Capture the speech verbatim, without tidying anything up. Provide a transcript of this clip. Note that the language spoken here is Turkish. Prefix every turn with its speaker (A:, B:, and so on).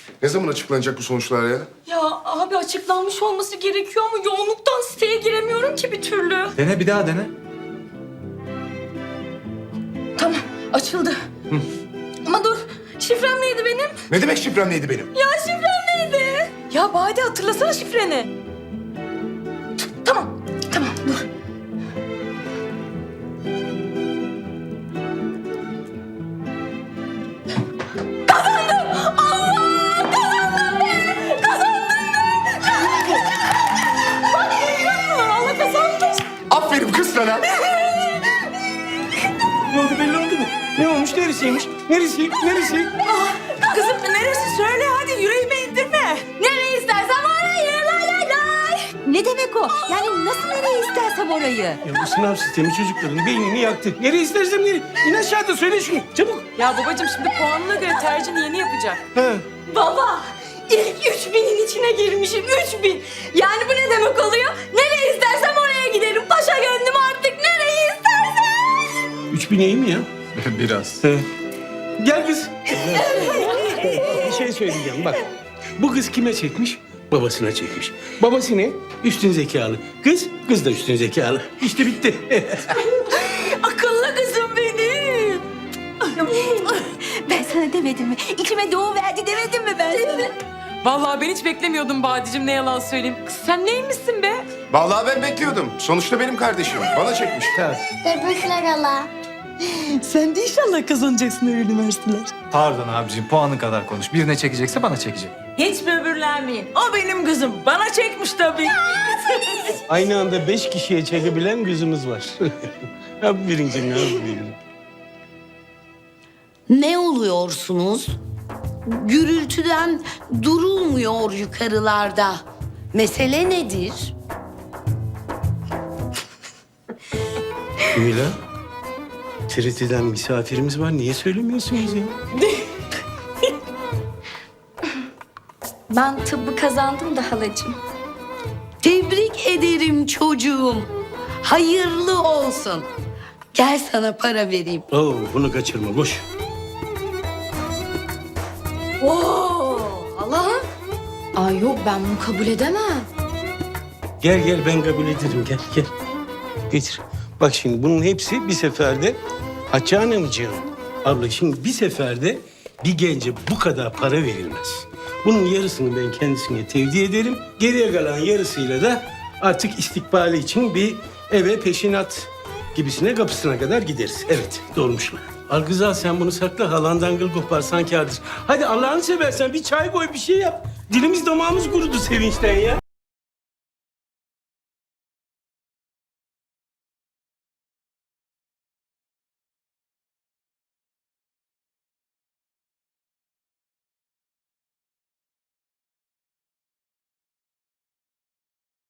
A: Ne zaman açıklanacak bu sonuçlar ya?
B: Ya abi açıklanmış olması gerekiyor ama yoğunluktan siteye giremiyorum ki bir türlü.
C: Dene bir daha dene.
B: Tamam açıldı. Ama dur şifrem neydi benim?
A: Ne demek şifrem neydi benim?
B: Ya şifrem neydi? Ya Bade hatırlasana şifreni. Tamam tamam dur. Allah kazandım.
A: Aferin kız sana.
D: Ne oldu belli oldu mu? Ne olmuş? Neresiymiş? Neresi? Neresi?
B: Kızım neresi söyle hadi yüreğime indirme. Nereye istersen orayı lay lay lay.
E: Ne demek o? Yani nasıl nereye istersem orayı?
D: Ya bu sınav sistemi çocukların beynini yaktı. Nereye istersem nereye. İn aşağıda söyle şunu. Çabuk.
B: Ya babacığım şimdi puanına göre tercihini yeni yapacak.
D: Ha.
B: Baba ilk üç binin içine girmişim üç bin. Yani bu ne demek oluyor? Nereye istersem oraya giderim. Paşa gönlüm artık nereye istersen.
D: Üç bin iyi mi ya?
C: Biraz.
D: He. Gel kız. Bir şey söyleyeceğim bak. Bu kız kime çekmiş? Babasına çekmiş. Babası ne? Üstün zekalı. Kız, kız da üstün zekalı. İşte bitti.
B: Akıllı kızım benim.
E: Ben sana demedim mi? İçime doğu verdi demedim mi ben sana?
B: Vallahi ben hiç beklemiyordum Badicim ne yalan söyleyeyim. Kız sen neymişsin be?
A: Vallahi ben bekliyordum. Sonuçta benim kardeşim. Bana çekmiş.
D: Tamam.
F: Tebrikler hala.
B: Sen de inşallah kazanacaksın öyle üniversiteler.
C: Pardon abicim puanı kadar konuş. Birine çekecekse bana çekecek.
B: Hiç böbürlenmeyin. O benim kızım. Bana çekmiş tabii.
D: Aynı anda beş kişiye çekebilen kızımız var. Aferin canım, aferin.
G: Ne oluyorsunuz? Gürültüden durulmuyor yukarılarda. Mesele nedir?
D: Mila, T R T'den misafirimiz var. Niye söylemiyorsunuz ya?
F: Ben tıbbı kazandım da halacığım.
G: Tebrik ederim çocuğum. Hayırlı olsun. Gel sana para vereyim.
D: Oo, bunu kaçırma, boş.
B: Oo, Allah'ım.
F: Ay yok ben bunu kabul edemem.
D: Gel gel, ben kabul ederim. Gel gel. Getir. Bak şimdi bunun hepsi bir seferde. Hatice Hanımcığım. Abla şimdi bir seferde bir gence bu kadar para verilmez. Bunun yarısını ben kendisine tevdi ederim. Geriye kalan yarısıyla da artık istikbali için bir eve peşinat gibisine kapısına kadar gideriz. Evet, doğrumuş mu? Al kız al, sen bunu sakla. Halandan gıl koparsan kârdır. Hadi Allah'ını seversen bir çay koy, bir şey yap. Dilimiz damağımız kurudu sevinçten ya.